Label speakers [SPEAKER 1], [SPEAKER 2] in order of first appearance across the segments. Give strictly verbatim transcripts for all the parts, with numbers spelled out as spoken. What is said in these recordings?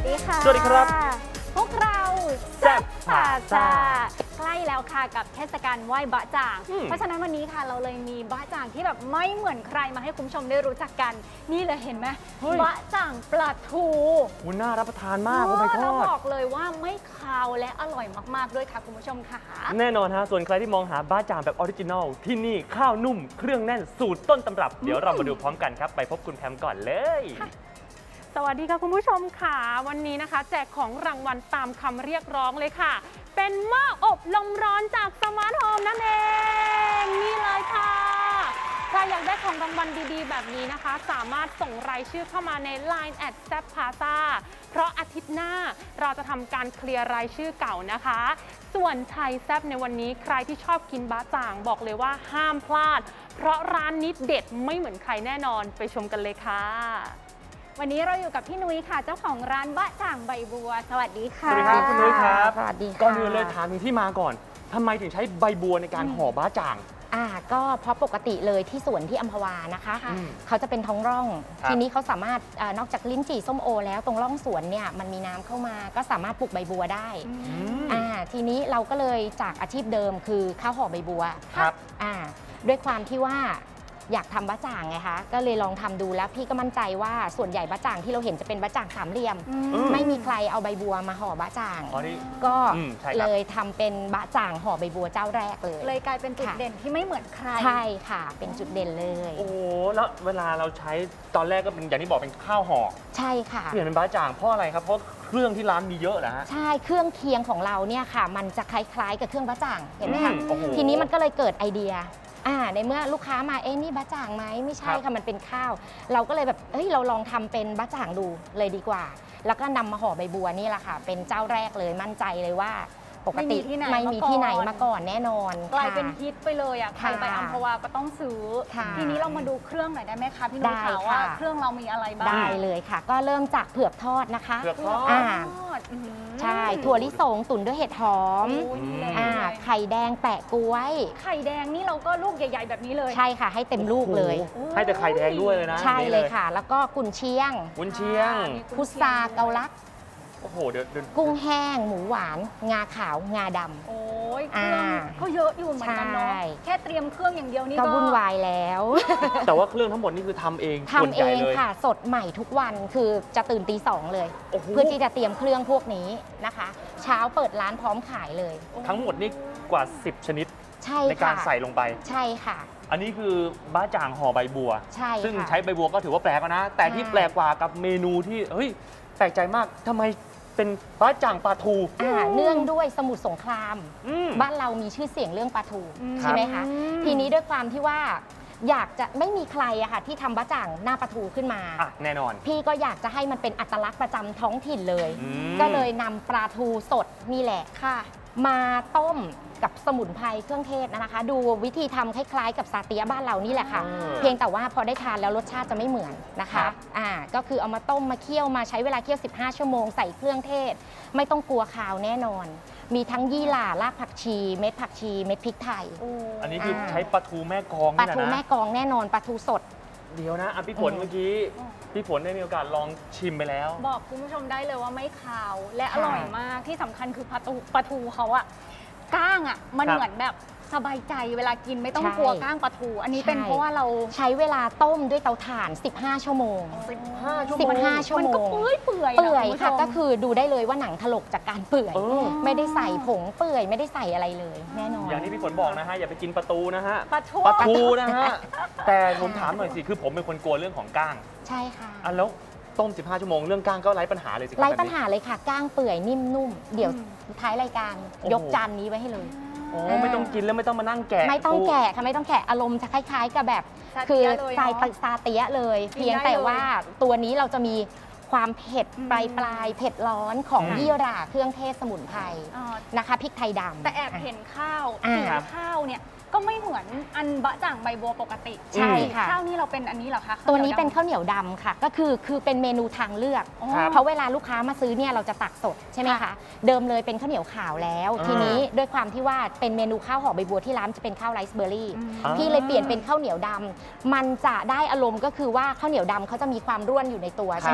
[SPEAKER 1] ดีค่ะ
[SPEAKER 2] สวัสดีครับ
[SPEAKER 1] พวกเราแซ่บพาซาใกล้แล้วค่ะกับเทศกาลไหว้บะจ่างเพราะฉะนั้นวันนี้ค่ะเราเลยมีบะจ่างที่แบบไม่เหมือนใครมาให้คุณผู้ชมได้รู้จักกันนี่เลยเห็นไหมบะจ่างปลาทู
[SPEAKER 2] คุณน่ารับประทานมากโอ้ my god
[SPEAKER 1] เราบอกเลยว่าไม่คาวและอร่อยมากๆด้วยค่ะคุณผู้ชมค่ะ
[SPEAKER 2] แน่นอนฮะส่วนใครที่มองหาบะจ่างแบบออริจินอลที่นี่ข้าวนุ่มเครื่องแน่นสูตรต้นตำรับเดี๋ยวเรามาดูพร้อมกันครับไปพบคุณแพมก่อนเลย
[SPEAKER 3] สวัสดีค่ะคุณผู้ชมค่ะวันนี้นะคะแจกของรางวัลตามคำเรียกร้องเลยค่ะเป็นหม้ออบลมร้อนจากสมาร์ทโฮมนั่นเองนี่เลยค่ะใครอยากได้ของรางวัลดีๆแบบนี้นะคะสามารถส่งรายชื่อเข้ามาใน ไลน์ แอท แซ่บพาซา เพราะอาทิตย์หน้าเราจะทำการเคลียร์รายชื่อเก่านะคะส่วนไทยแซ่บในวันนี้ใครที่ชอบกินบะจ่างบอกเลยว่าห้ามพลาดเพราะร้านนี้เด็ดไม่เหมือนใครแน่นอนไปชมกันเลยค่ะ
[SPEAKER 1] วันนี้เราอยู่กับพี่นุ้ยค่ะเจ้าของร้านบะจ่างใบบัวสวัสดีค่ะ
[SPEAKER 2] สวัสดีครับคุณนุ้ยครับ
[SPEAKER 4] สวัสดีค่ะ
[SPEAKER 2] ก่อนอื่นเลยถามถึงที่มาก่อนทำไมถึงใช้ใบบัวในการห่อบะจ่าง
[SPEAKER 4] อ่าก็เพราะปกติเลยที่สวนที่อัมพวานะคะเขาจะเป็นท้องร่องทีนี้เขาสามารถอนอกจากลิ้นจี่ส้มโอแล้วตรงร่องสวนเนี่ยมันมีน้ำเข้ามาก็สามารถปลูกใบบัวได้อ่าทีนี้เราก็เลยจากอาชีพเดิมคือข้าวห่อใบบัว
[SPEAKER 2] ครับ
[SPEAKER 4] อ่าด้วยความที่ว่าอยากทำบะจ่างไงคะก็เลยลองทำดูแล้วพี่ก็มั่นใจว่าส่วนใหญ่บะจ่างที่เราเห็นจะเป็นบะจ่างสามเหลี่ยมไม่มีใครเอาใบบัวมาห่อบะจ่างก็เลยทำเป็นบะจ่างห่อใบบัวเจ้าแรกเลย
[SPEAKER 1] เลยกลายเป็นจุดเด่นที่ไม่เหมือนใคร
[SPEAKER 4] ใช่ค่ะเป็นจุดเด่นเลย
[SPEAKER 2] โอ้แล้วเวลาเราใช้ตอนแรกก็เป็นอย่างที่บอกเป็นข้าวห่อ
[SPEAKER 4] ใช่ค่ะ
[SPEAKER 2] เปลี่ยนเป็นบะจ่างเพราะอะไรครับเพราะเครื่องที่ร้านมีเยอะเหรอฮะ
[SPEAKER 4] ใช่เครื่องเคียงของเราเนี่ยค่ะมันจะคล้ายๆ กับเครื่องบะจ่างเห็นไหมคะทีนี้มันก็เลยเกิดไอเดียอ่าในเมื่อลูกค้ามาเอ๊ะนี่บะจ่างไหมไม่ใช่ค่ะมันเป็นข้าวเราก็เลยแบบเฮ้ยเราลองทำเป็นบะจ่างดูเลยดีกว่าแล้วก็นำมาห่อใบบัวนี่แหละค่ะเป็นเจ้าแรกเลยมั่นใจเลยว่าปกติไม่มีที่ไหนมาก่อนแน่นอน
[SPEAKER 1] กลายเป็นฮิตไปเลยอ่ะใครไปอัมพวาก็ต้องซื้อทีนี้เรามาดูเครื่องหน่อยได้ไหมคะพี่นุ้ยคะว่าเครื่องเรามีอะไรบ้าง
[SPEAKER 4] ได้เลยค่ะก็เริ่มจากเผือกทอดนะคะ
[SPEAKER 2] เผือกทอ
[SPEAKER 4] ดใช่ถั่วลิสงตุ๋นด้วยเห็ดหอมอ่าไข่แดงแปะกล้วย
[SPEAKER 1] ไข่แดงนี่เราก็ลูกใหญ่ๆแบบนี้เลย
[SPEAKER 4] ใช่ค่ะให้เต็มลูกเลย
[SPEAKER 2] ให้แต่ไข่แดงด้วยเลยนะ
[SPEAKER 4] ใช่เลยค่ะแล้วก็กุนเชียง
[SPEAKER 2] กุนเชียง
[SPEAKER 4] พุทราเกาลัด
[SPEAKER 2] โอ้โหเดี๋ยว
[SPEAKER 4] กุ้งแห้งหมูหวานงาขาวงาดำ
[SPEAKER 1] โอ้ยเครื่องก็เยอะอยู่เหมือนกันเนาะแค่เตรียมเครื่องอย่างเดียวนี่
[SPEAKER 4] ก็วุ่นวายแล้ว
[SPEAKER 2] แต่ว่าเครื่องทั้งหมดนี่คือทำเอง
[SPEAKER 4] ทำเองค่ะสดใหม่ทุกวันคือจะตื่นตีสองเลยเพื่อที่จะเตรียมเครื่องพวกนี้นะคะเช้าเปิดร้านพร้อมขายเลย
[SPEAKER 2] ทั้งหมดนี่กว่าสิบชนิดในการใส่ลงไป
[SPEAKER 4] ใช่ค่ะ
[SPEAKER 2] อันนี้คือบะจ่างห่อใบบัว
[SPEAKER 4] ใช่
[SPEAKER 2] ซึ่งใช้ใบบัวก็ถือว่าแปลกนะแต่ที่แปลกกว่ากับเมนูที่เฮ้ยแปลกใจมากทำไมเป็นบะจ่างปลาทู
[SPEAKER 4] เนื่องด้วยสมุทรสงครามบ้านเรามีชื่อเสียงเรื่องปลาทูใช่ไหมคะทีนี้ด้วยความที่ว่าอยากจะไม่มีใครอะค่ะที่ทำบะจ่างหน้าปลาทูขึ้นมา
[SPEAKER 2] แน่นอน
[SPEAKER 4] พี่ก็อยากจะให้มันเป็นอัตลักษณ์ประจำท้องถิ่นเลยก็เลยนำปลาทูสดนี่แหละค่ะมาต้มกับสมุนไพรเครื่องเทศนะคะดูวิธีทำคล้ายๆกับซาเตียบ้านเรานี่แหละค่ะเพียงแต่ว่าพอได้ทานแล้วรสชาติจะไม่เหมือนนะคะอ่าก็คือเอามาต้มมาเคี่ยวมาใช้เวลาเคี่ยวสิบห้าชั่วโมงใส่เครื่องเทศไม่ต้องกลัวคาวแน่นอนมีทั้งยี่หร่ารากผักชีเม็ดผักชีเม็ดพริกไทย
[SPEAKER 2] อันนี้คือใช้ปลาทูแม่กอง
[SPEAKER 4] ปลาทูแม่กองแน่นอนปลาทูสด
[SPEAKER 2] เดี๋ยวนะพี่ฝนเมื่อกี้พี่ฝนได้มีโอกาสลองชิมไปแล้ว
[SPEAKER 1] บอกคุณผู้ชมได้เลยว่าไม่คาวและอร่อยมากที่สำคัญคือปลาทูปลาทูเขาอะก้างอ่ะมันเหมือนแบบสบายใจเวลากินไม่ต้องกลัวก้างปลาทูอันนี้เป็นเพราะว่าเรา
[SPEAKER 4] ใช้เวลาต้มด้วยเตาถ่านสิบห้าชั่วโมง
[SPEAKER 2] สิบห้าชั่วโมง
[SPEAKER 4] สิบห้าชั่วโมงมัน
[SPEAKER 1] ก็เปื่อยเปื่อย
[SPEAKER 4] เปื่อยค่ะก็คือดูได้เลยว่าหนังถลกจากการเปื่อยไม่ได้ใส่ผงเปื่อยไม่ได้ใส่อะไรเลยแน่นอน
[SPEAKER 2] อย่างที่พี่ฝนบอกนะฮะอย่าไปกินปลาทูนะฮะ
[SPEAKER 1] ปลาทู
[SPEAKER 2] ปลาทูนะฮะแต่ผมถามหน่อยสิคือผมเป็นคนกลัวเรื่องของก้าง
[SPEAKER 4] ใช่ค่ะ
[SPEAKER 2] อ่ะแล้วต้มสิบห้าชั่วโมงเรื่องก้างก็ไร้ปัญหาเลยสิ
[SPEAKER 4] ไร้ปัญหาเลยค่ะก้างเปื่อยนิ่มนุ่มเดี๋ยวท้ายรายการยกจานนี้ไว้ให้เลย
[SPEAKER 2] โอ้ไม่ต้องกินแล้วไม่ต้องมานั่งแกะ
[SPEAKER 4] ไม่ต้องแกะค่ะไม่ต้องแกะอารมณ์จะคล้ายๆกับแบบคือสายซาเตียเลยเพียงแต่ว่าตัวนี้เราจะมีความเผ็ดปลายปลายเผ็ดร้อนของยี่หร่าเครื่องเทศสมุนไพรนะคะพริกไทยดำ
[SPEAKER 1] แต่แอบเห็นข้าวสีข้าวเนี่ยก็ไม่เหมือนอันบะจ่างใบบัวปกติ
[SPEAKER 4] ใช่ค่ะ
[SPEAKER 1] ข้าวนี่เราเป็นอันนี้เหรอคะ
[SPEAKER 4] ตัวนี้เป็นข้าวเหนียวดำค่ะก็คือคือเป็นเมนูทางเลือกเพราะเวลาลูกค้ามาซื้อเนี่ยเราจะตักสดใช่ไหมคะเดิมเลยเป็นข้าวเหนียวขาวแล้วทีนี้ด้วยความที่ว่าเป็นเมนูข้าวห่อใบบัวที่ร้านจะเป็นข้าวไรซ์เบอร์รี่พี่เลยเปลี่ยนเป็นข้าวเหนียวดำมันจะได้อารมณ์ก็คือว่าข้าวเหนียวดำเขาจะมีความร่วนอยู่ในตัวใช่ไหมคะ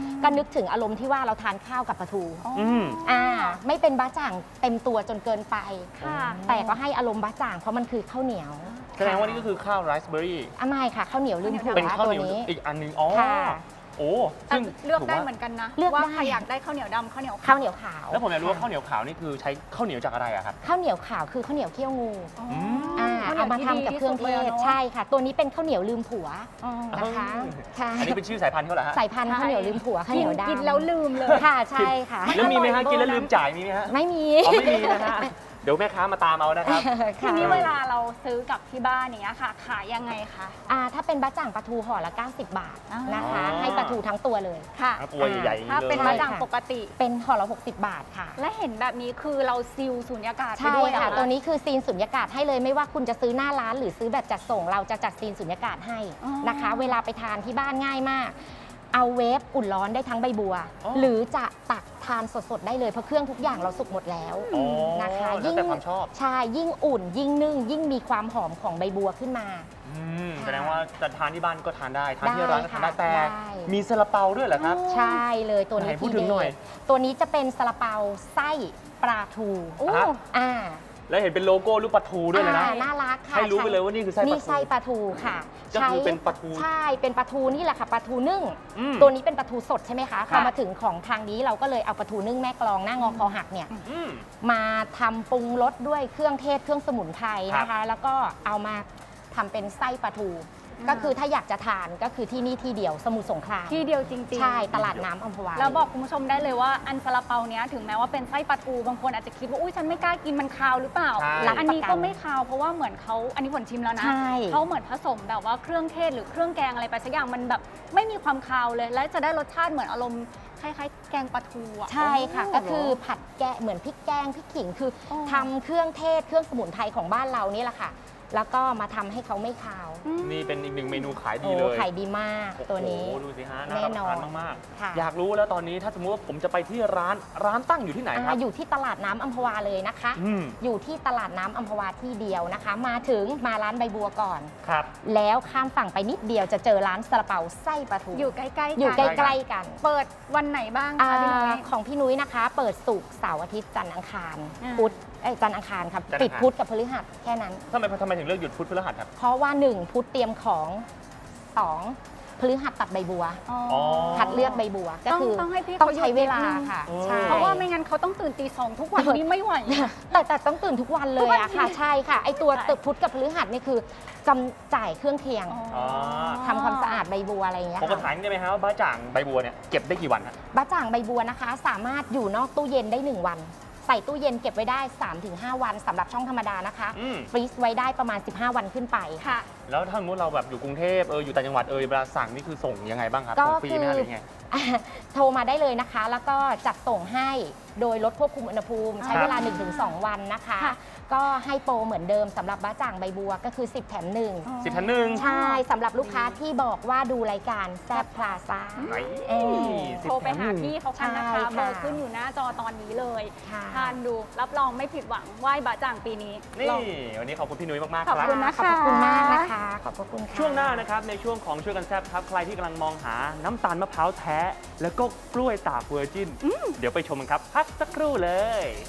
[SPEAKER 4] ก็นึกถึงอารมณ์ที่ว่าเราทานข้าวกับปลาทู
[SPEAKER 2] อืม
[SPEAKER 4] อ่าไม่เป็นบะจ่างเต็มตัวจนเกินไป
[SPEAKER 1] ค่ะ
[SPEAKER 4] แต่ก็ให้อารมณ์บะจ่างเพราะมันคือข้าวเหนียว
[SPEAKER 2] แสดงว่านี่ก็คือข้าวไรซ์เบอร์รี่
[SPEAKER 4] อ่ะไม่ค่ะข้าวเหนียวลืมผัว
[SPEAKER 2] เป็นข้าว
[SPEAKER 4] ตั
[SPEAKER 2] เห
[SPEAKER 4] ว
[SPEAKER 2] นียว
[SPEAKER 4] นี้
[SPEAKER 2] อีกอันหนึงอ๋อ
[SPEAKER 4] ค่ะ
[SPEAKER 2] โอ้
[SPEAKER 1] แต่
[SPEAKER 2] ซึ่ง
[SPEAKER 1] เลือกได้
[SPEAKER 2] ถืว่า
[SPEAKER 1] เหมือนกันนะ
[SPEAKER 4] เลือก
[SPEAKER 1] ว่า
[SPEAKER 4] ได้
[SPEAKER 1] ใครอยากได้ข้าวเหนียวดำข้าวเหนียว
[SPEAKER 4] ข้าวเหนียวขาว
[SPEAKER 2] แล้วผมอยากรู้ว่าข้าวเหนียวขาวนี่คือใช้ข้าวเหนียวจากอะไรอะครับ
[SPEAKER 4] ข้าวเหนียวขาวคือข้าวเหนียวเขี้ยวงู
[SPEAKER 1] อ๋อ
[SPEAKER 2] ม
[SPEAKER 4] อ่า
[SPEAKER 1] ข้วหนี
[SPEAKER 4] เอา
[SPEAKER 1] ยว
[SPEAKER 4] มาทำกับเครื่องเทศใช่ค่ะ ตัวนี้เป็นข้าวเหนียวลืมผัว
[SPEAKER 1] อ๋อ
[SPEAKER 4] นะคะใช่
[SPEAKER 2] อันนี้เป็นชื่อสายพันธุ์เขาเหรอฮะ
[SPEAKER 4] สายพันธุ์ข้าวเหนียวลืมผัวข้าวเห
[SPEAKER 1] กิ
[SPEAKER 4] นี
[SPEAKER 1] น
[SPEAKER 4] ยวดำ
[SPEAKER 1] กินแล้วลืมเลย
[SPEAKER 4] ค่ะใช่ค่ะ
[SPEAKER 2] แล้วมีไหมฮะ
[SPEAKER 1] อร่อย
[SPEAKER 2] กินแล้ว
[SPEAKER 1] เบอร์นั้น
[SPEAKER 2] ลืมจ่ายมีไหมฮะ
[SPEAKER 4] ไม่มี
[SPEAKER 2] อ๋อไม่มีนะฮะ เดี๋ยวแม่ค้ามาตามเอานะครับ
[SPEAKER 1] ที
[SPEAKER 4] ค่ะ
[SPEAKER 1] นี้เวลาเราซื้อกลับที่บ้านอย่างเงี้ยค่ะ ขายยังไงคะ
[SPEAKER 4] อ่าถ้าเป็นบะจ่างปลาทูห่อละ เก้าสิบบาท
[SPEAKER 1] อ๋อ
[SPEAKER 4] นะคะ
[SPEAKER 2] อ๋อ
[SPEAKER 4] ให้ปลาทูทั้งตัวเลย
[SPEAKER 1] ค่ะ
[SPEAKER 2] ตัวใหญ่ๆอย่าง
[SPEAKER 1] ถ้า
[SPEAKER 2] นี้
[SPEAKER 1] เป็น
[SPEAKER 2] เล
[SPEAKER 1] มะ
[SPEAKER 2] ย
[SPEAKER 1] ด่างปกติ
[SPEAKER 4] เป็นห่อละหกสิบบาทค่ะ
[SPEAKER 1] และเห็นแบบนี้คือเราซิลสูญญากาศไป
[SPEAKER 4] ใช่
[SPEAKER 1] ด้วย
[SPEAKER 4] ค่ะ
[SPEAKER 1] เหรอ
[SPEAKER 4] ตัวนี้คือซีนสุญญากาศให้เลยไม่ว่าคุณจะซื้อหน้าร้านหรือซื้อแบบจัดส่ง เราจะจัดซีนสุญญากาศให้นะคะ เวลาไปทานที่บ้านง่ายมาก เอาเวฟอุ่นร้อนได้ทั้งใบบัว
[SPEAKER 2] อ๋อ
[SPEAKER 4] หรือจะตักทานสดๆได้เลยเพราะเครื่องทุกอย่างเราสุกหมดแล้ว
[SPEAKER 2] อ๋อ
[SPEAKER 4] นะคะ
[SPEAKER 2] แล้วแต่ความชอบ
[SPEAKER 4] ใช่ยิ่งอุ่น ยิ่งนึ่ง ยิ่งมีความหอมของใบบัวขึ้นมา
[SPEAKER 2] อืม
[SPEAKER 4] ค่ะ
[SPEAKER 2] แสดงว่าจะทานที่บ้านก็ทานได้ ทานที่ร้านก็ทานได้
[SPEAKER 4] ได้
[SPEAKER 2] แต่
[SPEAKER 4] ได้
[SPEAKER 2] มีซาลาเปาด้วยเหรอครับ
[SPEAKER 4] ใช่เลยตัวนี้
[SPEAKER 2] ไหนพูด
[SPEAKER 4] ที
[SPEAKER 2] ถึงหน่อย
[SPEAKER 4] เด็ดตัวนี้จะเป็นซาลาเปาไส้ปลาทู
[SPEAKER 1] โอ้
[SPEAKER 2] ฮะ
[SPEAKER 4] อ่า
[SPEAKER 2] แล้วเห็นเป็นโลโก้รูปปลาทูด้วยเลยนะ
[SPEAKER 4] อ่าน่ารักค่ะ
[SPEAKER 2] ให้รู้ไปเลยว่านี่คือไส้ปลาทู
[SPEAKER 4] นี่ไส้ปลาทูค่ะ
[SPEAKER 2] ก็คือเป็นปลาทู
[SPEAKER 4] ใช่เป็นปลาทูนี่แหละค่ะปลาทูนึ่ง
[SPEAKER 2] อืม
[SPEAKER 4] ตัวนี้เป็นปลาทูสดใช่ไหมคะพ
[SPEAKER 2] ครั
[SPEAKER 4] อบ มาถึงของทางนี้เราก็เลยเอาปลาทูนึ่งแม่กลองหน้างอคอหักเนี่ย
[SPEAKER 2] อืม
[SPEAKER 4] มาทำปรุงรสด้วยเครื่องเทศเครื่องสมุนไพรนะ
[SPEAKER 2] ครั
[SPEAKER 4] คะ
[SPEAKER 2] บ
[SPEAKER 4] แล้วก็เอามาทำเป็นไส้ปลาทู ก็คือถ้าอยากจะทานก็คือที่นี่ที่เดียวสมุทรสงคราม
[SPEAKER 1] ที่เดียวจริงๆ
[SPEAKER 4] ใช่ตลาดน้ำอัมพวา
[SPEAKER 1] แล้วบอกคุณผู้ชมได้เลยว่าอันซาลาเปาเนี้ยถึงแม้ว่าเป็นไส้ปลาทูบางคนอาจจะคิดว่าอุ้ยฉันไม่กล้ากินมันคาวหรือเปล่า
[SPEAKER 2] ใช่
[SPEAKER 1] อันนี้ก็ไม่คาวเพราะว่าเหมือนเขาอันนี้ผลชิมแล้วนะ
[SPEAKER 4] ใช่
[SPEAKER 1] เขาเหมือนผสมแบบว่าเครื่องเทศหรือเครื่องแกงอะไรไปสักอย่างมันแบบไม่มีความคาวเลย และจะได้รสชาติเหมือนอารมณ์คล้ายๆ แกงปลาทูอ่ะ
[SPEAKER 4] ใช่ค่ะ
[SPEAKER 1] โ
[SPEAKER 4] ก็คือผัดแกะเหมือนพริกแกงพริกขิงคืออ
[SPEAKER 1] อ
[SPEAKER 4] ทำเครื่องเทศเครื่องสมุนไพรของบ้านเรานี่แหละค่ะ แล้วก็มาทำให้เขาไม่คาว
[SPEAKER 1] อืม
[SPEAKER 2] นี่เป็นอีกหนึ่งเมนูขายดี
[SPEAKER 4] โอ้
[SPEAKER 2] เลย
[SPEAKER 4] ขายดีมากตัวนี้
[SPEAKER 2] โอ้โหดูสิฮะน่า
[SPEAKER 4] แน่
[SPEAKER 2] รับ
[SPEAKER 4] น
[SPEAKER 2] ป
[SPEAKER 4] อ
[SPEAKER 2] ระ
[SPEAKER 4] น
[SPEAKER 2] ทานมาก
[SPEAKER 4] ค่ะ
[SPEAKER 2] ๆ อยากรู้แล้วตอนนี้ถ้าสมมติว่าผมจะไปที่ร้านร้านตั้งอยู่ที่ไหนครับ
[SPEAKER 4] อ่าอยู่ที่ตลาดน้ำอัมพวาเลยนะคะ
[SPEAKER 2] อืม
[SPEAKER 4] อยู่ที่ตลาดน้ำอัมพวาที่เดียวนะคะ มาถึงมาร้านใบบัวก่อน
[SPEAKER 2] ครับ
[SPEAKER 4] แล้วข้ามฝั่งไปนิดเดียวจะเจอร้านซาลาเปาไส้ปลาทู
[SPEAKER 1] อยู่ใกล้ๆกัน
[SPEAKER 4] อยู่ใกล้ๆกัน
[SPEAKER 1] เปิดวันไหนบ้าง
[SPEAKER 4] อ่า
[SPEAKER 1] คะพี่นุ้ย
[SPEAKER 4] ของพี่นุ้ยนะคะ เปิดศุกร์เสาร์อาทิตย์จันทร์อังคาร
[SPEAKER 1] อ่า
[SPEAKER 4] พุธเอ้ยจันทร์อังคารครับ
[SPEAKER 2] จันทร์อังคาร
[SPEAKER 4] ปิดพุธกับพฤหัสแค่นั้น
[SPEAKER 2] ทำไมทำไมถึงเลือกหยุดพุธพฤหัสครับ
[SPEAKER 4] เพราะว่าหนึ่งพุธเตรียมของสองพฤหัสตัดใบบัว
[SPEAKER 1] อ๋อ
[SPEAKER 2] อ๋อ
[SPEAKER 4] คัดเลือกใบบัวก็
[SPEAKER 1] ต้อง
[SPEAKER 4] คือ
[SPEAKER 1] ต้องให้พี่
[SPEAKER 4] ต้อง
[SPEAKER 1] เขาหยุด
[SPEAKER 4] ใช้เวลา
[SPEAKER 1] นิดนึง
[SPEAKER 4] ค่ะ
[SPEAKER 2] โอ้
[SPEAKER 4] ใช่
[SPEAKER 1] เพราะว่าไม่งั้นเขาต้องตื่นตีสองทุกวันนี้ไม่ไหว
[SPEAKER 4] แต่แต่ต้องตื่นทุกวันเลยอะค่ะ ใช่ค่ะ ไอตัว
[SPEAKER 1] ใช่
[SPEAKER 4] ตึกพุธกับพฤหัสนี่คือจำจ่ายเครื่องเคียง
[SPEAKER 2] อ๋อ
[SPEAKER 4] ทำความสะอาดใบบัวอะไรอย่างเงี้ย
[SPEAKER 2] ผมก็
[SPEAKER 4] ค่ะ
[SPEAKER 2] ถามได้ไหมครับว่าบ้าจ่างใบบัวเนี่ยเก็บได้กี่วันฮะ
[SPEAKER 4] บะจ่างใบบัวนะคะ สามารถอยู่นอกตู้เย็นได้หนึ่งวัน ใส่ตู้เย็นเก็บไว้ได้ สามถึงห้า วันสำหรับช่องธรรมดานะคะ
[SPEAKER 2] อืม
[SPEAKER 4] ฟรีซไว้ได้ประมาณ สิบห้า วันขึ้นไป
[SPEAKER 1] ค่ะ
[SPEAKER 2] แล้วถ้าสมมติเราแบบอยู่กรุงเทพเอออยู่ต่างจังหวัดเออเวลาสั่งนี่คือส่งยังไงบ้างครับ
[SPEAKER 4] ก็
[SPEAKER 2] ส่งฟรีไหมฮะ
[SPEAKER 4] คือ
[SPEAKER 2] หรือไง
[SPEAKER 4] อ่ะโทรมาได้เลยนะคะ แล้วก็จัดส่งให้โดยรถควบคุมอุณหภูมิ ใช้
[SPEAKER 2] ครับ
[SPEAKER 4] เวลา หนึ่งถึงสอง วันนะคะ
[SPEAKER 1] ค่ะ
[SPEAKER 4] ก็ให้โปรเหมือนเดิมสำหรับบะจ่างใบบัวก็คือ สิบแถมหนึ่ง
[SPEAKER 2] สิบพันหนึ่ง
[SPEAKER 4] ใช่สำหรับลูกค้าที่บอกว่าดูรายการแซบพลาซ่า
[SPEAKER 2] ไหน
[SPEAKER 4] เออ
[SPEAKER 2] สิบ
[SPEAKER 1] โทรไป
[SPEAKER 2] แถม
[SPEAKER 1] หา
[SPEAKER 2] นึ่ง
[SPEAKER 1] พี่เขากันนะ
[SPEAKER 4] ใช่
[SPEAKER 1] คะ
[SPEAKER 4] ค่ะ
[SPEAKER 1] เบอร์ขึ้นอยู่หน้าจอตอนนี้เลย
[SPEAKER 4] ค่ะ
[SPEAKER 1] ทานดูรับรองไม่ผิดหวังไหว้บะจ่างปีนี้
[SPEAKER 2] นี่
[SPEAKER 1] ลอง
[SPEAKER 2] วันนี้ขอบคุณพี่นุ้ยมากๆ
[SPEAKER 1] ขอบ
[SPEAKER 2] ครับ
[SPEAKER 1] คุณนะ
[SPEAKER 4] ขอบพระคุณมากนะคะ ขอบพระคุณค่ะ
[SPEAKER 2] ช่วงหน้านะครับในช่วงของช่วยกันแซบครับใครที่กำลังมองหาน้ำตาลมะพร้าวแท้ แล้วก็กล้วยตากเวอร์จินเดี๋ยวไปชมกันครับ พักสักครู่เลย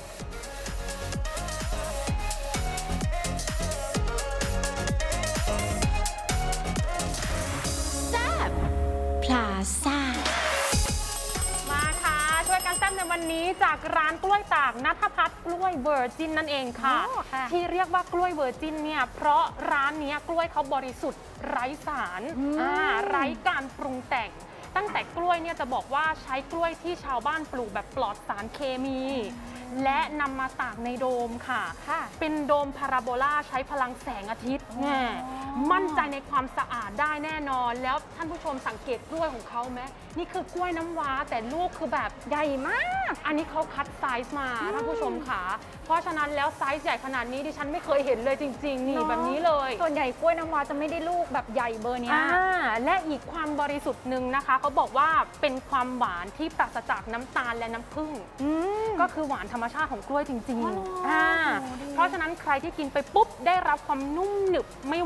[SPEAKER 5] พลาซ่า
[SPEAKER 3] มาค่ะ ช่วยกันแซ่บในวันนี้จากร้านกล้วยตากณัฐพัฒน์กล้วยเวอร์จินนั่นเองค่ะ
[SPEAKER 1] โอ้ค่ะ
[SPEAKER 3] ที่เรียกว่ากล้วยเวอร์จินเนี่ยเพราะร้านเนี้ยกล้วยเขาบริสุทธิ์ไร้สาร
[SPEAKER 1] อืม
[SPEAKER 3] อ่าไร้การปรุงแต่ง ตั้งแต่กล้วยเนี่ยจะบอกว่าใช้กล้วยที่ชาวบ้านปลูกแบบปลอดสารเคมี และนำมาตากในโดมค่ะ
[SPEAKER 1] ค่ะ
[SPEAKER 3] เป็นโดมพาราโบลาใช้พลังแสงอาทิตย์แน่มั่นใจในความสะอาดได้แน่นอน แล้วท่านผู้ชมสังเกตกล้วยของเขาไหมนี่คือกล้วยน้ำว้าแต่ลูกคือแบบใหญ่มาก อันนี้เขาคัดไซส์มาท่านผู้ชมค่ะ เพราะฉะนั้นแล้วไซส์ใหญ่ขนาดนี้ดิฉันไม่เคยเห็นเลยจริงๆ นี่
[SPEAKER 1] เนอะ
[SPEAKER 3] แบบนี้เลย
[SPEAKER 1] ส่วนใหญ่กล้วยน้ำว้าจะไม่ได้ลูกแบบใหญ่เบอร์เนี้ย
[SPEAKER 3] อ่าและอีกความบริสุทธิ์หนึ่งนะคะเขาบอกว่าเป็นความหวานที่ปราศจากน้ำตาลและน้ำผึ้ง
[SPEAKER 1] อืม
[SPEAKER 3] ก็คือหวานธรรมชาติของกล้วยจริง
[SPEAKER 1] อ๋อเหรอ
[SPEAKER 3] ๆอ่า
[SPEAKER 1] โอ้ดี
[SPEAKER 3] เพราะฉะนั้นใครที่กินไปปุ๊บได้รับความนุ่มหนึบไม่หวานเลี่ยน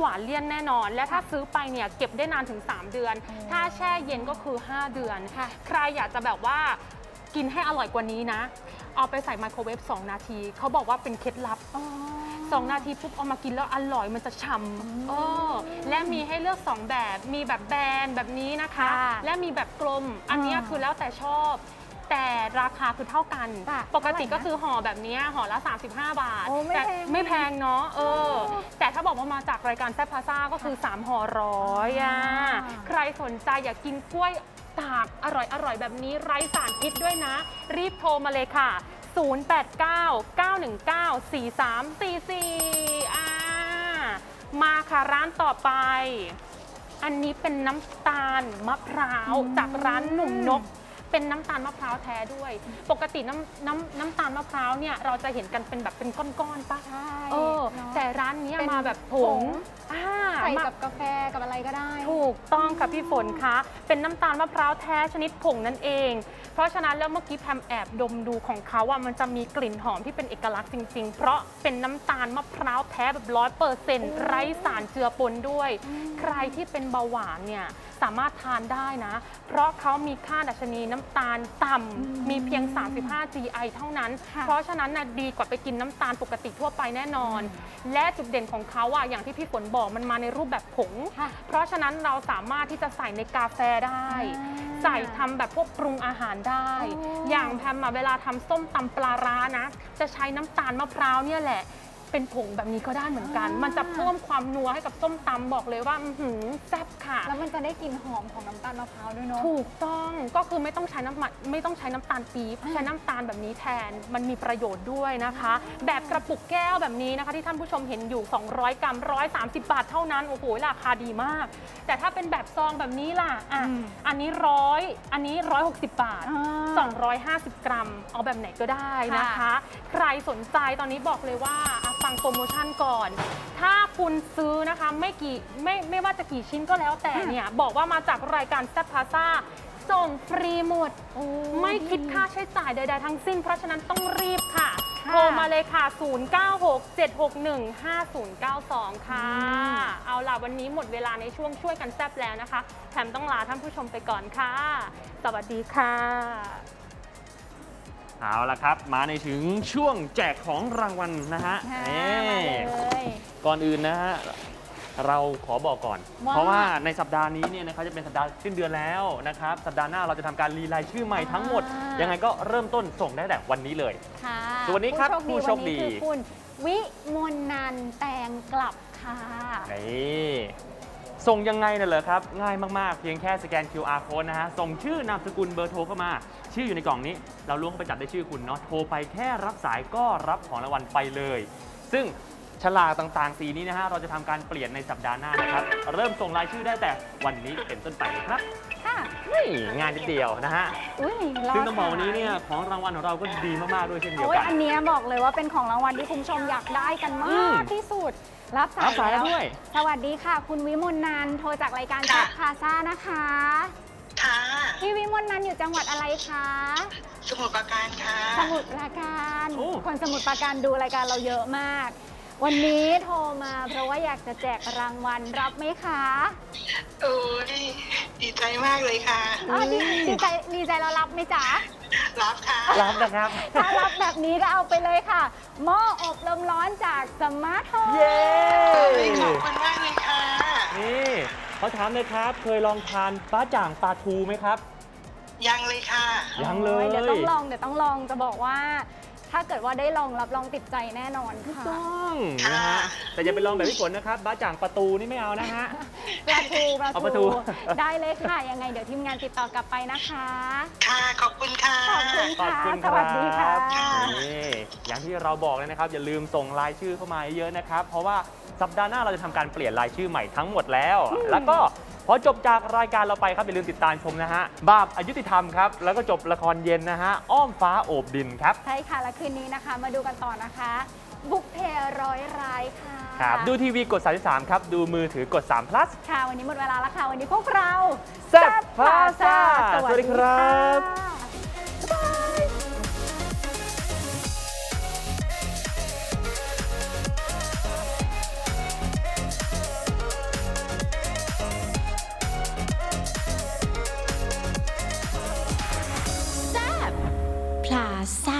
[SPEAKER 3] นแน่นอน และถ้าซื้อไปเนี่ยเก็บได้นานถึง สาม เดือน ถ้าแช่เย็นก็คือ ห้า เดือน ใครอยากจะแบบว่ากินให้อร่อยกว่านี้นะ เอาไปใส่ไมโครเวฟสองนาทีเขาบอกว่าเป็นเคล็ดลับสองนาทีปุ๊บเอามากินแล้วอร่อยมันจะฉ่ำเออและมีให้เลือกสองแบบมีแบบแบนแบบนี้นะคะ
[SPEAKER 1] ค่ะ
[SPEAKER 3] และมีแบบกลมอันเนี้ยคือแล้วแต่ชอบ แต่ราคาคือเท่ากัน
[SPEAKER 1] ค่ะ
[SPEAKER 3] ปกติก็คือห่อแบบเนี้ยห่อละ สามสิบห้า บาท
[SPEAKER 1] โอ้ไม่
[SPEAKER 3] แต่
[SPEAKER 1] แพง
[SPEAKER 3] ไม่แพงเนาะเออแต่ถ้าบอกว่ามาจากรายการแซ่บพาซ่าก็คือ สาม ห่อร้อยอ่ะ
[SPEAKER 1] อ่า
[SPEAKER 3] ใครสนใจอยากกินกล้วยตากอร่อยอร่อยแบบนี้ไร้สารพิษด้วยนะ รีบโทรมาเลยค่ะ ศูนย์ แปด เก้า เก้า หนึ่ง เก้า สี่ สาม สี่ สี่อ่ามาค่ะร้านต่อไป อันนี้เป็นน้ำตาลมะพร้าวจากร้านหนุ่มนก เป็นน้ำตาลมะพร้าวแท้ด้วย ปกติน้ำน้ำน้ำตาลมะพร้าวเนี่ยเราจะเห็นกันเป็นแบบเป็นก้อนๆป่ะ
[SPEAKER 1] ใช่
[SPEAKER 3] เออ
[SPEAKER 1] เนอะ
[SPEAKER 3] แต่ร้านเนี้ย
[SPEAKER 1] เป็น
[SPEAKER 3] มาแบบผ
[SPEAKER 1] ผ
[SPEAKER 3] ง
[SPEAKER 1] ง
[SPEAKER 3] อ่า
[SPEAKER 1] ใส่
[SPEAKER 3] มา
[SPEAKER 1] กับกาแฟกับอะไรก็ได้
[SPEAKER 3] ถูกต้องค่ะพี่ฝนคะ เป็นน้ำตาลมะพร้าวแท้ชนิดผงนั่นเอง เพราะฉะนั้นแล้วเมื่อกี้แพมแอบดมดูของเขาอ่ะมันจะมีกลิ่นหอมที่เป็นเอกลักษณ์จริงๆ เพราะเป็นน้ำตาลมะพร้าวแท้แบบร้อยเปอร์เซ็นต์ไร้สารเจือปนด้วย ใครที่เป็นเบาหวานเนี่ยสามารถทานได้นะ เพราะเขามีค่าดัชนีน้ำตาลต่ำมีเพียง สามสิบห้า จี ไอ เท่านั้น
[SPEAKER 1] ค่ะ
[SPEAKER 3] เพราะฉะนั้นน่ะดีกว่าไปกินน้ำตาลปกติทั่วไปแน่นอน และจุดเด่นของเขาอ่ะอย่างที่พี่ฝนบอกมันมาในรูปแบบผง
[SPEAKER 1] ค่ะ
[SPEAKER 3] เพราะฉะนั้นเราสามารถที่จะใส่ในกาแฟได้
[SPEAKER 1] อ่า
[SPEAKER 3] ใส่ทำแบบพวกปรุงอาหารได้
[SPEAKER 1] อ๋อ
[SPEAKER 3] อ
[SPEAKER 1] อย่าง
[SPEAKER 3] แพมอะเวลาทำส้มตำปลาร้านะ จะใช้น้ำตาลมะพร้าวเนี่ยแหละ เป็นผงแบบนี้ก็ได้เหมือนกัน
[SPEAKER 1] อ่ามั
[SPEAKER 3] มันจะเพิ่มความนัวให้กับส้มตำบอกเลยว่าอื้อหือแซ่บค่ะ
[SPEAKER 1] แล้วมันจะได้กลิ่นหอมของน้ำตาลมะพร้าวด้วยเนาะ
[SPEAKER 3] ถูกต้องก็คือไม่ต้องใช้น้ำมันไม่ต้องใช้น้ำตาลปี๊บใช้น้ำตาลแบบนี้แทนมันมีประโยชน์ด้วยนะคะ แบบกระปุกแก้วแบบนี้นะคะ ที่ท่านผู้ชมเห็นอยู่ สองร้อย กรัมหนึ่งร้อยสามสิบ บาทเท่านั้นโอ้โหราคาดีมาก แต่ถ้าเป็นแบบซองแบบนี้ล่ะอ่ะ
[SPEAKER 1] อืม
[SPEAKER 3] อันนี้ร้อยอันนี้ร้อยหกสิบบาท
[SPEAKER 1] อ่า
[SPEAKER 3] สองร้อยห้าสิบ กรัม เอาแบบไหนก็ได้นะคะ ใครสนใจตอนนี้บอกเลยว่าอ่ะฟังโปรโมชั่นก่อน ถ้าคุณซื้อนะคะไม่กี่ไม่ไม่ว่าจะกี่ชิ้นก็แล้วแต่เนี่ยบอกว่ามาจากรายการแซ่บพาซ่าส่งฟรีหมด
[SPEAKER 1] โอ้
[SPEAKER 3] ไม่คิดค่าใช้จ่ายใดๆทั้งสิ้น เพราะฉะนั้นต้องรีบค่ะ
[SPEAKER 1] ค่ะ
[SPEAKER 3] โทรมาเลยค่ะ ศูนย์ เก้า หก เจ็ด หก หนึ่ง ห้า ศูนย์ เก้า สอง ค่ะ เอาล่ะวันนี้หมดเวลาในช่วงช่วยกันแซ่บแล้วนะคะแถมต้องลาท่านผู้ชมไปก่อนค่ะ สวัสดีค่ะ
[SPEAKER 2] เอาละครับ มาในถึงช่วงแจกของรางวัลนะฮะ
[SPEAKER 1] ค่ะ
[SPEAKER 2] นี่
[SPEAKER 1] มาเลย
[SPEAKER 2] ก่อนอื่นนะฮะเราขอบอกก่อน
[SPEAKER 1] ว่า
[SPEAKER 2] เพราะว่าในสัปดาห์นี้เนี่ยนะครับจะเป็นสัปดาห์สิ้นเดือนแล้วนะครับสัปดาห์หน้าเราจะทำการรีไลน์ชื่อใหม่ทั้งหมด
[SPEAKER 1] อ่ายั
[SPEAKER 2] ยังไงก็เริ่มต้นส่งได้แต่วันนี้เลย
[SPEAKER 1] ค่ะ
[SPEAKER 2] สวัสดีครับ
[SPEAKER 1] ผู้โชคดี
[SPEAKER 2] ผู้โชคดี
[SPEAKER 1] วันนี้คือคุณวิมลนันท์แตงกลับค่ะ
[SPEAKER 2] นี่ส่งยังไงน่ะเหรอครับ ง่ายมากๆ เพียงแค่สแกน คิว อาร์ Code นะฮะ ส่งชื่อนามสกุลเบอร์โทรเข้ามา ชื่ออยู่ในกล่องนี้ เราล้วงเข้าไปจับได้ชื่อคุณเนาะ โทรไปแค่รับสายก็รับของรางวัลไปเลย ซึ่งฉลากต่างๆ สีนี้นะฮะ เราจะทำการเปลี่ยนในสัปดาห์หน้านะครับ เริ่มส่งรายชื่อได้แต่วันนี้เป็นต้นไปครับ
[SPEAKER 1] ค่ะ
[SPEAKER 2] นี่งานนิดเดียวนะฮะ
[SPEAKER 1] อุ้ยรอ
[SPEAKER 2] ซึ่งต้องบอกวันนี้
[SPEAKER 1] สา
[SPEAKER 2] เนี่ยของรางวัลของเราก็ดีมากๆด้วยเช่นเดียว
[SPEAKER 1] โอ้ย
[SPEAKER 2] กัน
[SPEAKER 1] อันเนี้ยบอกเลยว่าเป็นของรางวัลที่คุณผู้ชมอยากได้กัน
[SPEAKER 2] อื
[SPEAKER 1] มาม กที่สุด รับสา
[SPEAKER 2] รั
[SPEAKER 1] ย
[SPEAKER 2] บสายแล้วด้วย
[SPEAKER 1] สวัสดีค่ะ คุณวิมลนันท์โทรจากรายการแซ่บพาซ่านะคะ
[SPEAKER 6] ค่ะ
[SPEAKER 1] พี่วิมลนันท์อยู่จังหวัดอะไรคะ
[SPEAKER 6] สมุทรปราการค่ะ
[SPEAKER 1] สมุทรปราการ
[SPEAKER 2] โอ้
[SPEAKER 1] คนสมุทรปราการดูรายการเราเยอะมาก วันนี้โทรมาเพราะว่าอยากจะแจกรางวัลรับไหมคะ
[SPEAKER 6] โอ้ยดีใจมากเลยค่ะ
[SPEAKER 1] อ๋อดีดีใจดีใจเรารับไหมจ๊ะ
[SPEAKER 6] รับค่ะ
[SPEAKER 2] รับนะครับ
[SPEAKER 1] ถ้ารับแบบนี้ก็เอาไปเลยค่ะหม้ออบลมร้อนจากสมาร์ทโฮม
[SPEAKER 2] เย้
[SPEAKER 6] ขอบคุณมากเลยค่ะ
[SPEAKER 2] นี่เขาถามเลยครับ เคยลองทานปลาจ่างปลาทูไหมครับ
[SPEAKER 6] ยังเลยค่ะ
[SPEAKER 2] ยังเลย
[SPEAKER 1] เดี๋ยวต้องลองเดี๋ยวต้องลองจะบอกว่า ถ้าเกิดว่าได้ลองรับรองติดใจแน่นอนค่ะ
[SPEAKER 2] ต้องนะฮะแต่อย่าไปลองแบบพี่ฝนนะครับบ้าจ่างประตูนี่ไม่เอานะฮะ
[SPEAKER 1] ปลาทูปลา
[SPEAKER 2] เอาปลาทู
[SPEAKER 1] ทูได้เลยค่ะ ยังไงเดี๋ยวทีมงานติดต่อกลับไปนะคะ
[SPEAKER 6] ค่ะ ขอบคุณค่ะ
[SPEAKER 1] ขอบคุณ
[SPEAKER 2] ขอบ
[SPEAKER 1] ค่ะ
[SPEAKER 2] คุณ
[SPEAKER 1] ส
[SPEAKER 2] ค
[SPEAKER 1] วั
[SPEAKER 2] รั
[SPEAKER 1] สดีค่ะ
[SPEAKER 2] บนี่อย่างที่เราบอกเลยนะครับ อย่าลืมส่งรายชื่อเข้ามาเยอะๆนะครับ เพราะว่าสัปดาห์หน้าเราจะทำการเปลี่ยนรายชื่อใหม่ทั้งหมดแล้ว แล้วก็พอจบจากรายการเราไปครับอย่าลืมติดตามชมนะฮะบาปอายุติธรรมครับแล้วก็จบละครเย็นนะฮะอ้อมฟ้าโอบดินครับ
[SPEAKER 1] ใช่ค่ะ และคืนนี้นะคะ มาดูกันต่อนะคะ บุกเพร้อยรายค่ะ
[SPEAKER 2] ครับดูทีวีกดสามสิบสามครับดูมือถือกดสาม plus
[SPEAKER 1] ค่ะ วันนี้หมดเวลาแล้วค่ะ วันนี้พวกเรา
[SPEAKER 2] แซ่บพาซ่า
[SPEAKER 1] ส
[SPEAKER 2] สวัสดีครับ
[SPEAKER 1] ค่ะ
[SPEAKER 5] ซ่า